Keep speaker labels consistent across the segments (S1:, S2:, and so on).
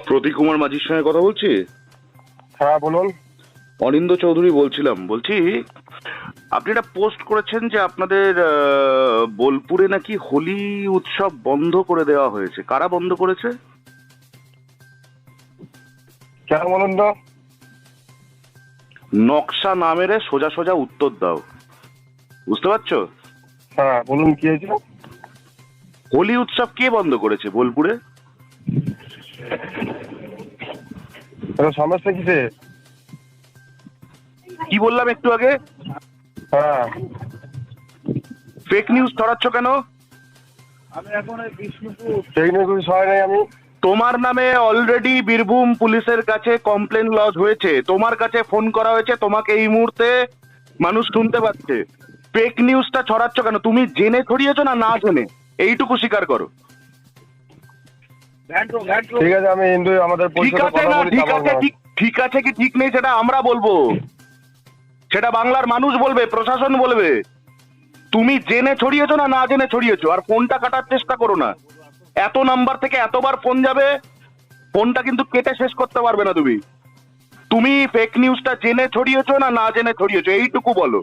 S1: প্রতীক কুমার মাঝির সঙ্গে কথা বলছি?
S2: হ্যাঁ বলুন।
S1: অনিন্দ চৌধুরী বলছিলাম। বলছি, আপনি একটা পোস্ট করেছেন যে আপনাদের বোলপুরে নাকি হোলি উৎসব বন্ধ করে দেওয়া হয়েছে। কারা বন্ধ করেছে?
S2: কেন বলুন তো?
S1: নকশা না মেরে সোজা সোজা উত্তর দাও, বুঝতে পারছো?
S2: হ্যাঁ বলুন, কি হয়েছে?
S1: হোলি উৎসব কে বন্ধ করেছে বোলপুরে?
S2: এটা সমস্যা কিসে?
S1: কি বললাম একটু আগে?
S2: হ্যাঁ
S1: ফেক নিউজ ছড়াচ্ছ কেন?
S2: সেই নিয়ে কিছু সহায় নাই আমি।
S1: তোমার নামে অলরেডি বীরভূম পুলিশের কাছে কমপ্লেন লজ হয়েছে, তোমার কাছে ফোন করা হয়েছে, তোমাকে এই মুহূর্তে মানুষ শুনতে পাচ্ছে। ফেক নিউজটা ছড়াচ্ছ কেন? তুমি জেনে ছড়িয়েছো না না জেনে? এইটুকু স্বীকার করো।
S2: ঠিক আছে, আমি হিন্দু, আমাদের
S1: ঠিক
S2: পরিষদে
S1: আছে
S2: কথা
S1: না
S2: বলি,
S1: ঠিক
S2: তারপর
S1: আছে, ঠিক আছে কি ঠিক নেই সেটা আমরা বলবো, সেটা বাংলার মানুষ বলবে, প্রশাসন বলবে। তুমি জেনে ছড়িয়েছো না না জেনে ছড়িয়েছো? আর ফোনটা কাটার চেষ্টা করো না। এত নাম্বার থেকে এতবার ফোন যাবে, ফোনটা কিন্তু কেটে শেষ করতে পারবে না তুমি। তুমি ফেক নিউজটা জেনে ছড়িয়েছো না না জেনে ছড়িয়েছো, এইটুকু বলো।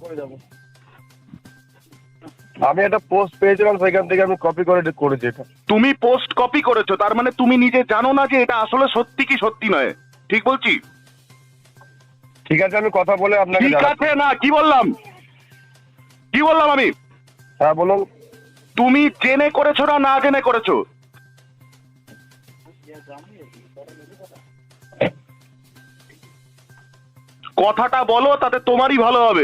S2: আমি একটা পোস্ট পেয়েছিলাম, সেখান থেকে আমি কপি করে করেছি এটা।
S1: তুমি পোস্ট কপি করেছো, তার মানে তুমি নিজে জানো না যে এটা আসলে সত্যি কি সত্যি নয়। ঠিক বলছি?
S2: ঠিক আছে, আমি কথা বলে আপনাকে
S1: ঠিক
S2: জানাচ্ছি।
S1: আছে না, কি বললাম আমি?
S2: হ্যাঁ বলুন।
S1: তুমি জেনে করেছো না না জেনে করেছো? কথাটা বলো, তাতে তোমারই ভালো হবে।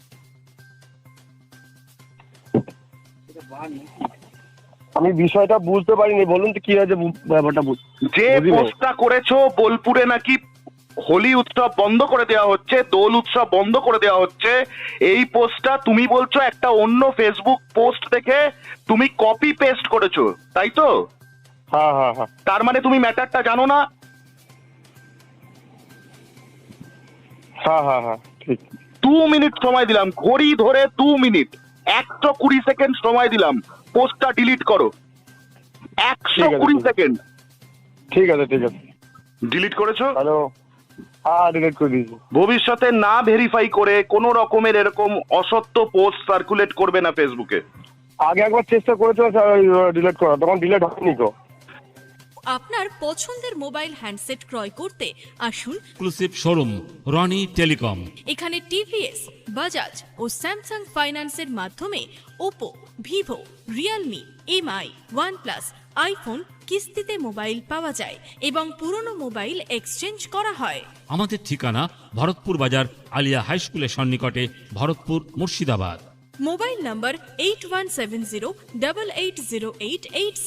S2: আমি বিষয়টা বুঝতে পারিনি, বলুন তো কি হয়েছে ব্যাপারটা।
S1: যে পোস্টটা করেছো বোলপুরে নাকি হোলি উৎসব বন্ধ করে দেওয়া হচ্ছে, দোল উৎসব বন্ধ করে দেওয়া হচ্ছে, এই পোস্টটা তুমি বলছো একটা অন্য ফেসবুক পোস্ট দেখে তুমি কপি পেস্ট করেছো, তাই তো?
S2: হ্যাঁ হ্যাঁ হ্যাঁ
S1: তার মানে তুমি ম্যাটারটা জানো না।
S2: হ্যাঁ হ্যাঁ হ্যাঁ ঠিক।
S1: 2 মিনিট সময় দিলাম, ঘড়ি ধরে 2 মিনিট, 120 সেকেন্ড সময় দিলাম, পোস্টটা ডিলিট করো। 120 সেকেন্ড।
S2: ঠিক আছে ঠিক আছে।
S1: ডিলিট করেছো?
S2: হ্যালো। হ্যাঁ ডিলিট করে দিয়েছি।
S1: ভবিষ্যতে না ভেরিফাই করে কোনো রকমের এরকম অসত্য পোস্ট সার্কুলেট করবে না ফেসবুকে।
S2: আগে একবার চেষ্টা করেছিল ডিলিট করা, তখন ডিলিট হয়নি তো।
S3: আপনার পছন্দের মোবাইল হ্যান্ডসেট ক্রয় করতে আসুন
S4: এক্সক্লুসিভ শোরুম রনি টেলিকম।
S3: এখানে টিভিএস, বাজাজ ও স্যামসাং ফাইন্যান্সের মাধ্যমে Oppo, Vivo, Realme, MI, OnePlus, iPhone কিস্তিতে মোবাইল পাওয়া যায় এবং পুরনো মোবাইল এক্সচেঞ্জ করা হয়।
S4: আমাদের ঠিকানা ভরতপুর বাজার আলিয়া হাই স্কুলের সন্নিকটে, ভরতপুর, মুর্শিদাবাদ।
S3: মোবাইল নম্বর 8170880886।